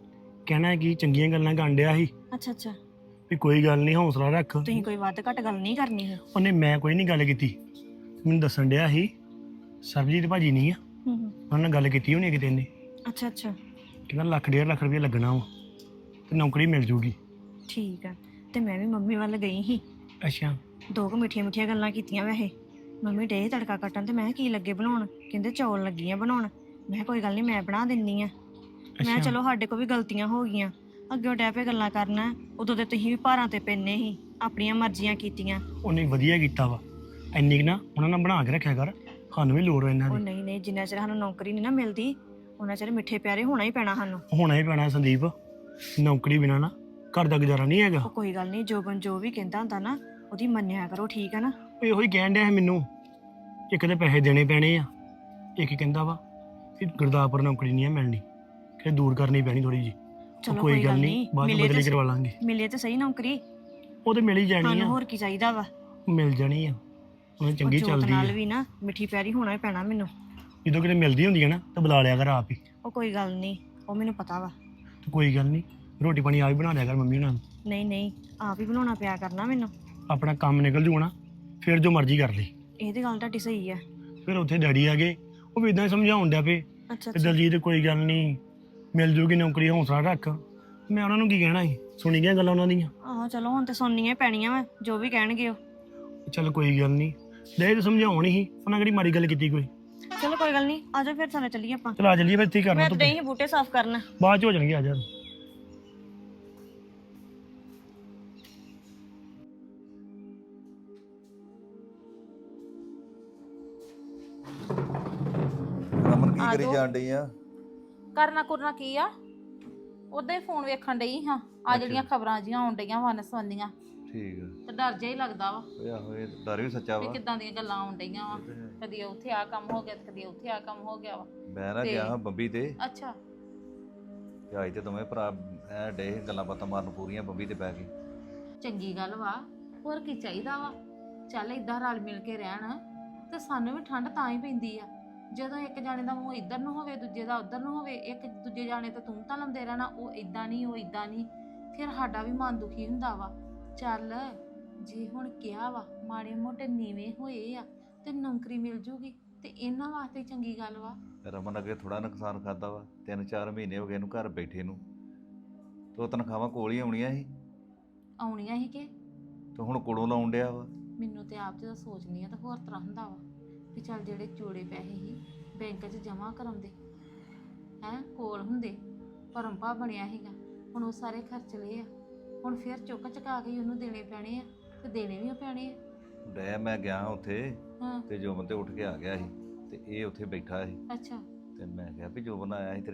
B: ਕਹਿਣਾ ਕਿ ਚੰਗੀਆਂ ਗੱਲਾਂ ਕਰਨ ਡਿਆ ਸੀ
E: ਅੱਛਾ ਅੱਛਾ,
B: ਵੀ ਕੋਈ ਗੱਲ ਨਹੀਂ, ਹੌਸਲਾ ਰੱਖ।
E: ਤੁਸੀਂ ਕੋਈ ਵੱਧ ਘੱਟ ਗੱਲ ਨਹੀਂ ਕਰਨੀ ਹੈ।
B: ਉਹਨੇ ਮੈਂ ਕੋਈ ਨਹੀਂ ਗੱਲ ਕੀਤੀ, ਮੈਨੂੰ ਦੱਸਣ ਡਿਆ ਸੀ ਸਰਬਜੀਤ ਭਾਜੀ ਨਹੀਂ ਆ,
E: ਹੂੰ ਹੂੰ,
B: ਉਹਨਾਂ ਨਾਲ ਗੱਲ ਕੀਤੀ ਹੋਣੀ ਕਿਤੇ ਨੇ।
E: ਅੱਛਾ ਅੱਛਾ,
B: ਕਹਿੰਦਾ ਲੱਖ ਡੇਢ ਲੱਖ ਰੁਪਏ ਲੱਗਣਾ ਵਾ ਤੇ ਨੌਕਰੀ ਮਿਲ ਜੂਗੀ।
E: ਠੀਕ ਆ। ਤੇ ਮੈਂ ਵੀ ਮੰਮੀ ਵੱਲ ਗਈ ਸੀ,
B: ਅੱਛਾ,
E: ਦੋ ਕੁ ਮਿੱਠੀਆਂ ਮਿੱਠੀਆਂ ਗੱਲਾਂ ਕੀਤੀਆਂ ਵੈਸੇ। ਮੰਮੀ ਡੇ ਤੜਕਾ ਕੱਟਣ ਤੇ ਮੈਂ ਕਿਹਾ ਕੀ ਲੱਗੇ ਬਣਾਉਣ? ਕਹਿੰਦੇ ਚੌਲ ਲੱਗੀ ਆ ਬਣਾਉਣ। ਮੈਂ ਕਿਹਾ ਕੋਈ ਗੱਲ ਨਹੀਂ ਮੈਂ ਬਣਾ ਦਿੰਨੀ ਆ। ਮੈਂ ਕਿਹਾ ਚਲੋ ਸਾਡੇ ਕੋਲ ਵੀ ਗਲਤੀਆਂ ਹੋ ਗਈਆਂ, ਅੱਗੇ ਡੈ ਪੇ ਗੱਲਾਂ ਕਰਨਾ। ਉਦੋਂ ਤੇ ਤੁਸੀਂ ਵੀ ਭਾਰਾਂ ਤੇ ਪੈਨੇ ਸੀ, ਆਪਣੀਆਂ ਮਰਜ਼ੀਆਂ ਕੀਤੀਆਂ।
B: ਉਹਨੇ ਵਧੀਆ ਕੀਤਾ ਵਾ। ਇੰਨੀ ਕੁ ਨਾ ਉਹਨਾਂ ਨਾਲ ਬਣਾ ਕੇ ਰੱਖਿਆ ਕਰ, ਸਾਨੂੰ ਵੀ ਲੋੜ ਆ ਇਹਨਾਂ
E: ਉਹ
B: ਦੀ।
E: ਨਹੀਂ ਨਹੀਂ, ਜਿੰਨਾ ਚਿਰ ਸਾਨੂੰ ਨੌਕਰੀ ਨਹੀਂ ਨਾ ਮਿਲਦੀ ਉਹਨਾਂ ਚਿਰ ਮਿੱਠੇ ਪਿਆਰੇ ਹੋਣਾ ਹੀ ਪੈਣਾ ਸਾਨੂੰ।
B: ਹੋਣਾ ਹੀ ਪੈਣਾ ਸੰਦੀਪ, ਨੌਕਰੀ ਬਿਨਾਂ ਨਾ ਘਰ ਦਾ ਗੁਜ਼ਾਰਾ ਨਹੀਂ ਹੈਗਾ।
E: ਉਹ ਕੋਈ ਗੱਲ ਨਹੀਂ, ਜੋਬਨ ਜੋ ਵੀ ਕਹਿੰਦਾ ਹੁੰਦਾ ਨਾ ਉਹਦੀ ਮੰਨਿਆ ਕਰੋ, ਠੀਕ ਹੈ ਨਾ?
B: ਉਹ ਇਹੋ ਹੀ ਕਹਿਣ ਡਿਆ ਸੀ ਮੈਨੂੰ, ਇੱਕ ਤੇ ਪੈਸੇ ਦੇਣੇ ਪੈਣੇ ਆ, ਇੱਕ ਕਹਿੰਦਾ ਵਾ ਕਿ ਗੁਰਦਾਸਪੁਰ ਨੌਕਰੀ ਨਹੀਂ ਆ ਮਿਲਣੀ, ਕਿ ਦੂਰ ਕਰਨੀ ਪੈਣੀ ਥੋੜੀ ਜੀ।
E: ਚਲੋ
B: ਕੋਈ ਗੱਲ ਨਹੀਂ, ਬਾਅਦ ਵਿੱਚ ਬਦਲੀ ਕਰਵਾ ਲਾਂਗੇ।
E: ਮਿਲੇ ਤੇ ਸਹੀ ਨੌਕਰੀ,
B: ਉਹ ਤੇ ਮਿਲ ਹੀ ਜਾਣੀ
E: ਸਾਨੂੰ
B: ਆ,
E: ਹੋਰ ਕੀ ਚਾਹੀਦਾ ਵਾ?
B: ਮਿਲ ਜਾਣੀ ਆ, ਉਹਨੇ ਚੰਗੀ
E: ਜੋਤ
B: ਚੱਲਦੀ
E: ਨਾਲ
B: ਆ।
E: ਵੀ ਨਾ ਮਿੱਠੀ ਪਿਆਰੀ ਹੋਣਾ ਹੀ ਪੈਣਾ ਮੈਨੂੰ।
B: ਜਦੋਂ ਕਿਤੇ ਮਿਲਦੀ ਹੁੰਦੀ ਹੈ ਨਾ ਤਾਂ ਬੁਲਾ ਲਿਆ ਕਰ ਆਪ ਹੀ।
E: ਉਹ ਕੋਈ ਗੱਲ ਨਹੀਂ, ਉਹ ਮੈਨੂੰ ਪਤਾ ਵਾ।
B: ਤੇ ਕੋਈ ਗੱਲ ਨਹੀਂ, ਰੋਟੀ ਪਾਣੀ ਆਪ ਹੀ ਬਣਾ ਲਿਆ ਕਰ ਮੰਮੀ ਉਹਨਾਂ ਨੂੰ।
E: ਨਹੀਂ ਨਹੀਂ, ਆਪ ਹੀ ਬਣਾਉਣਾ ਪਿਆ ਕਰਨਾ ਮੈਨੂੰ।
B: ਆਪਣਾ ਕੰਮ ਨਿਕਲ ਜੂ ਨਾ, ਫਿਰ ਜੋ ਮਰਜ਼ੀ ਕਰ ਲਈ।
E: ਇਹ ਤੇ ਗੱਲ ਤੁਹਾਡੀ ਸਹੀ ਹੈ।
B: ਫਿਰ ਉੱਥੇ ਡੈਡੀ ਆ ਗਏ, ਉਹ ਵੀ ਇਦਾਂ ਹੀ ਸਮਝਾਉਣ ਡਿਆ ਪਏ
E: ਅੱਛਾ
B: ਕਿ
E: ਅੱਛਾ,
B: ਦਲਜੀਤ ਕੋਈ ਗੱਲ ਨਹੀਂ, ਮਿਲ ਜੂਗੀ ਨੌਕਰੀ, ਹੌਸਲਾ ਰੱਖ। ਮੈਂ ਉਹਨਾਂ ਨੂੰ ਕੀ ਕਹਿਣਾ ਸੀ, ਸੁਣੀ ਗਿਆ ਗੱਲਾਂ ਉਹਨਾਂ ਦੀਆਂ।
E: ਆਹੋ ਚਲੋ ਹੁਣ ਤੇ ਸੁਣਨੀਆਂ ਹੀ ਪੈਣੀਆਂ ਵਾ, ਜੋ ਵੀ ਕਹਿਣਗੇ ਉਹ।
B: ਚੱਲ ਕੋਈ ਗੱਲ ਨਹੀਂ, ਦੇ ਤਾਂ ਸਮਝਾਉਣ ਹੀ, ਉਹਨਾਂ ਕਿਹੜੀ ਮਾੜੀ ਗੱਲ ਕੀਤੀ ਕੋਈ।
E: ਚਲੋ ਕੋਈ ਗੱਲ ਨਹੀਂ, ਆਜੋ ਫਿਰ ਸਾਨੂੰ ਚੱਲੀਏ ਆਪਾਂ।
B: ਚਲ ਆ ਚੱਲੀਏ ਫਿਰ, ਇੱਥੇ ਹੀ ਕਰਨਾ
E: ਮੈਂ
B: ਤੂੰ,
E: ਤੇ ਨਹੀਂ ਬੂਟੇ ਸਾਫ਼ ਕਰਨਾ।
B: ਬਾਅਦ ਚ ਹੋ ਜਾਣਗੇ, ਆ ਜਾ।
D: ਰਮਨ ਕੀ
F: ਆ
D: ਕਰੀ
F: ਜਾਓ।
D: ਜਾਣ ਡਈ ਆ?
F: ਕਰਨਾ ਕੁਰਨਾ ਕੀ ਆ, ਉਦਾਂ ਹੀ ਫੋਨ ਵੇਖਣ ਡਈ ਹਾਂ। ਆ ਜਿਹੜੀਆਂ ਖਬਰਾਂ ਜੀਆਂ ਆਉਣ ਡਈਆਂ ਵਨ ਸੰਬੰਧੀਆਂ,
D: ਠੀਕ ਆ।
F: ਤੇ ਡਰ ਜਿਹਾ ਹੀ ਲੱਗਦਾ ਵਾ
D: ਓਏ ਆਹੋ, ਇਹ ਡਰ ਵੀ ਸੱਚਾ
F: ਵੀ
D: ਵਾ।
F: ਕਿੱਦਾਂ ਦੀਆਂ ਗੱਲਾਂ ਆਉਣ ਡਈਆਂ ਵਾ।
D: ਇਹ ਤੇ ਹੈ।
F: ਕਦੀ ਉੱਥੇ ਆ ਕੰਮ ਹੋ ਗਿਆ ਤੇ ਕਦੀ ਉੱਥੇ ਆ ਕੰਮ ਹੋ ਗਿਆ ਵਾ।
D: ਮੈਂ ਨਾ
F: ਤੇ-
D: ਗਿਆ ਹਾਂ ਬੰਬੀ ਤੇ,
F: ਅੱਛਾ,
D: ਤੇ ਅੱਜ ਤੇ ਦੋਵੇਂ ਭਰਾ ਐ ਡੇ ਗੱਲਾਂ ਬਾਤਾਂ ਮਾਰਨ ਪੂਰੀਆਂ ਬੰਬੀ ਤੇ ਬਹਿ ਕੇ।
F: ਚੰਗੀ ਗੱਲ ਵਾ, ਹੋਰ ਕੀ ਚਾਹੀਦਾ ਵਾ? ਚੱਲ ਇਦਾਂ ਰਲ ਮਿਲ ਕੇ ਰਹਿਣ ਤੇ ਸਾਨੂੰ ਵੀ ਠੰਡ ਤਾਂ ਹੀ ਪੈਂਦੀ ਆ ਜਦੋਂ ਇੱਕ ਜਾਣੇ ਦਾ ਮੂੰਹ ਇੱਧਰ ਨੂੰ ਹੋਵੇ, ਦੂਜੇ ਦਾ ਉੱਧਰ ਨੂੰ ਹੋਵੇ। ਇੱਕ ਦੂਜੇ ਜਾਣੇ ਤੇ ਤੂੰ ਤਾਂ ਲਾਉਂਦੇ ਰਹਿਣਾ, ਉਹ ਇਦਾਂ ਨਹੀਂ ਉਹ ਇਦਾਂ ਨਹੀਂ, ਫਿਰ ਸਾਡਾ ਵੀ ਮਨ ਦੁਖੀ ਹੁੰਦਾ ਵਾ। ਚੱਲ ਜੇ ਹੁਣ ਕਿਹਾ ਵਾ ਮਾੜੇ ਮੋਟੇ ਨੀਵੇਂ ਹੋਏ ਆ ਤੇ ਨੌਕਰੀ ਮਿਲ ਜੂਗੀ ਤੇ ਇਹਨਾਂ ਵਾਸਤੇ ਚੰਗੀ ਗੱਲ ਵਾ।
D: ਰਮਨ ਅੱਗੇ ਥੋੜਾ ਨੁਕਸਾਨ ਖਾਦਾ ਵਾ, ਤਿੰਨ ਚਾਰ ਮਹੀਨੇ ਹੋ ਗਏ ਇਹਨੂੰ ਘਰ ਬੈਠੇ ਨੂੰ, ਤੇ ਉਹ ਤਨਖਾਹਾਂ ਕੋਲ ਹੀ ਆਉਣੀਆਂ ਸੀ,
F: ਆਉਣੀਆਂ ਸੀ ਕਿ
D: ਤੇ ਹੁਣ ਕੋਲੋਂ ਲਾਉਣ ਡਿਆ ਵਾ।
F: ਮੈਨੂੰ ਤੇ ਆਪ ਜਦੋਂ ਸੋਚਨੀ ਆ ਤਾਂ ਹੋਰ ਤਰ੍ਹਾਂ ਹੁੰਦਾ ਵਾ ਵੀ ਚੱਲ ਜਿਹੜੇ ਚੋੜੇ ਪੈਸੇ ਸੀ ਬੈਂਕ 'ਚ ਜਮ੍ਹਾਂ ਕਰਾਉਂਦੇ ਹੈਂ, ਕੋਲ ਹੁੰਦੇ, ਭਰਮਭਾ ਬਣਿਆ ਸੀਗਾ, ਹੁਣ ਉਹ ਸਾਰੇ ਖਰਚ ਲਏ ਆ। ਹੁਣ ਫਿਰ ਚੁੱਕ ਚੁਕਾ ਕੇ ਹੀ ਉਹਨੂੰ ਦੇਣੇ ਪੈਣੇ ਆ ਤੇ ਦੇਣੇ ਵੀ ਪੈਣੇ ਆ।
D: ਡੈ ਮੈਂ ਗਿਆ ਉੱਥੇ
F: ਹਾਂ,
D: ਤੇ ਜੋਬਨ ਤੇ ਉੱਠ ਕੇ ਆ ਗਿਆ ਸੀ, ਤੇ ਇਹ ਉੱਥੇ ਬੈਠਾ ਸੀ,
F: ਅੱਛਾ,
D: ਤੇ ਮੈਂ ਕਿਹਾ ਵੀ ਜੋਬਨ ਆਇਆ ਸੀ ਤੇਰੇ ਵੱਲ,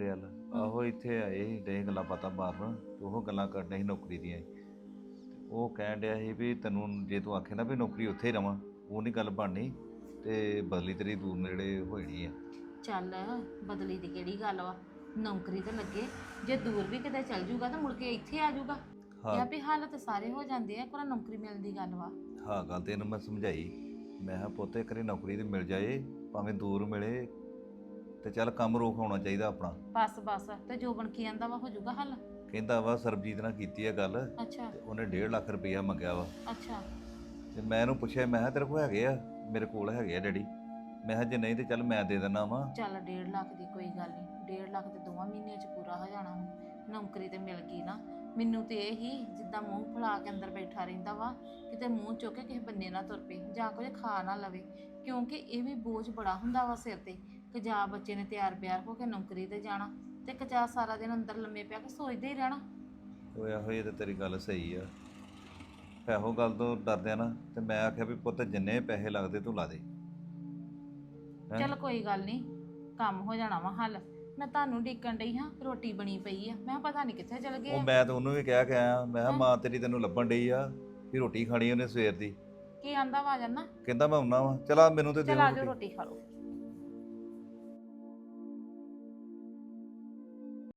D: ਆਹੋ ਇੱਥੇ ਆਏ ਸੀ ਡੇ ਗੱਲਾਂ ਬਾਤਾਂ ਮਾਰਨ ਤੇ ਉਹ ਗੱਲਾਂ ਕਰਨੀਆਂ ਸੀ ਨੌਕਰੀ ਦੀਆਂ ਤੇ ਉਹ ਕਹਿਣ ਡਿਆ ਸੀ ਵੀ ਤੈਨੂੰ ਜੇ ਤੂੰ ਆਖੇ ਨਾ ਵੀ ਨੌਕਰੀ ਉੱਥੇ ਹੀ ਰਵਾਂ ਉਹ ਨਹੀਂ ਗੱਲ ਬਣਨੀ ਤੇ ਬਦਲੀ ਤੇਰੀ ਦੂਰ ਨੇੜੇ ਹੋ ਜਾਣੀ ਆ।
F: ਚੱਲ ਬਦਲੀ ਦੀ ਕਿਹੜੀ ਗੱਲ ਵਾ, ਨੌਕਰੀ ਤੇ ਲੱਗੇ, ਜੇ ਦੂਰ ਵੀ ਕਿਤੇ ਚੱਲ ਜੂਗਾ ਤਾਂ ਮੁੜ ਕੇ ਇੱਥੇ ਆ ਜੂਗਾ।
D: ਹਾਂ
F: ਇਹ ਆ ਵੀ ਹਾਲਤ ਸਾਰੇ ਹੋ ਜਾਂਦੇ ਆ, ਪਰ ਨੌਕਰੀ ਮਿਲਣ ਦੀ ਗੱਲ ਵਾ।
D: ਹਾਂ ਗੱਲ ਤੇ ਇਹਨੂੰ ਮੈਂ ਸਮਝਾਈ, ਮੈਂ ਕਿਹਾ ਪੁੱਤ ਇੱਕ ਵਾਰੀ ਨੌਕਰੀ ਤੇ ਮਿਲ ਜਾਏ ਭਾਵੇਂ ਦੂਰ ਮਿਲੇ ਤੇ ਚੱਲ ਕੰਮ ਰੋਕ ਹੋਣਾ ਚਾਹੀਦਾ ਆਪਣਾ।
F: ਬਸ ਬਸ ਤੇ ਜੋਬਨ ਕੀ ਆਂਦਾ ਵਾ, ਹੋ ਜੂਗਾ ਹੱਲ।
D: ਕਹਿੰਦਾ ਵਾ ਸਰਬਜੀਤ ਨਾਲ ਕੀਤੀ ਆ ਗੱਲ
F: ਅੱਛਾ
D: ਤੇ ਉਹਨੇ ਡੇਢ ਲੱਖ ਰੁਪਈਆ ਮੰਗਿਆ ਵਾ
F: ਅੱਛਾ
D: ਤੇ ਮੈਂ ਇਹਨੂੰ ਪੁੱਛਿਆ ਮੈਂ ਕਿਹਾ ਤੇਰੇ ਕੋਲ ਹੈਗੇ ਆ? ਮੇਰੇ ਕੋਲ ਹੈਗੇ ਆ ਡੈਡੀ। ਮੈਂ ਕਿਹਾ ਜੇ ਨਹੀਂ ਤੇ ਚੱਲ ਮੈਂ ਦੇ ਦਿੰਦਾ ਵਾ।
F: ਚੱਲ ਡੇਢ ਲੱਖ ਦੀ ਕੋਈ ਗੱਲ ਨਹੀਂ, ਡੇਢ ਲੱਖ ਤੇ ਦੋਵਾਂ ਮਹੀਨਿਆਂ ਚ ਪੂਰਾ ਹੋ ਜਾਣਾ। ਨੌਕਰੀ ਤੇ ਮਿਲ ਗਈ ਨਾ। ਮੈਨੂੰ ਤੇ ਇਹ ਹੀ ਜਿੱਦਾਂ ਮੂੰਹ ਫੁਲਾ ਕੇ ਅੰਦਰ ਬੈਠਾ ਰਹਿੰਦਾ ਵਾ, ਕਿਤੇ ਮੂੰਹ ਚੁੱਕ ਕੇ ਕਿਸੇ ਬੰਨੇ ਨਾ ਤੁਰ ਪਏ ਜਾਂ ਕੁਝ ਖਾ ਨਾ ਲਵੇ, ਕਿਉਂਕਿ ਇਹ ਵੀ ਬੋਝ ਬੜਾ ਹੁੰਦਾ ਵਾ ਸਿਰ ਤੇ ਕਿ ਜਾ ਬੱਚੇ ਨੇ ਤਿਆਰ ਬਿਆਰ ਹੋ ਕੇ ਨੌਕਰੀ ਤੇ ਜਾਣਾ ਤੇ ਕਚਾ ਸਾਰਾ ਦਿਨ ਅੰਦਰ ਲੰਮੇ ਪਿਆ ਕੇ ਸੋਚਦੇ ਹੀ ਰਹਿਣਾ।
D: ਉਹ ਇਹੋ ਇਹ ਤੇ ਤੇਰੀ ਗੱਲ ਸਹੀ ਆ। ਇਹੋ ਗੱਲ ਤੋਂ ਡਰਦਿਆਂ ਨਾ ਤੇ ਮੈਂ ਆਖਿਆ ਵੀ ਪੁੱਤ ਜਿੰਨੇ ਪੈਸੇ ਲੱਗਦੇ ਤੂੰ ਲਾ ਦੇ। ਹੈਂ?
F: ਚੱਲ ਕੋਈ ਗੱਲ ਨਹੀਂ, ਕੰਮ ਹੋ ਜਾਣਾ ਵਾ ਹੱਲ। ਮੈਂ ਤੁਹਾਨੂੰ ਡੀਕਣ ਡਈ ਹਾਂ, ਰੋਟੀ ਬਣੀ ਪਈ ਆ, ਮੈਂ ਕਿਹਾ ਪਤਾ ਨਹੀਂ ਕਿੱਥੇ ਚਲ ਗਏ
D: ਉਹ
F: ਆ।
D: ਮੈਂ ਤਾਂ ਉਹਨੂੰ ਵੀ ਕਹਿ ਕੇ ਆਇਆ, ਮੈਂ ਕਿਹਾ
F: ਹਾਂ।
D: ਮਾਂ ਤੇਰੀ ਤੈਨੂੰ ਲੱਭਣ ਡਈ ਆ ਵੀ ਰੋਟੀ ਖਾਣੀ ਉਹਨੇ ਸਵੇਰ ਦੀ।
F: ਕੀ ਆਂਦਾ ਵਾ ਜਾਨਾ,
D: ਕਹਿੰਦਾ ਮੈਂ ਆਉਣਾ ਵਾ। ਚਲਾ ਮੈਨੂੰ ਤੇ
F: ਚਲ
D: ਦਿਓ
F: ਆ ਜਾਓ
D: ਰੋਟੀ।
F: ਰੋਟੀ ਖਾ ਲਓ।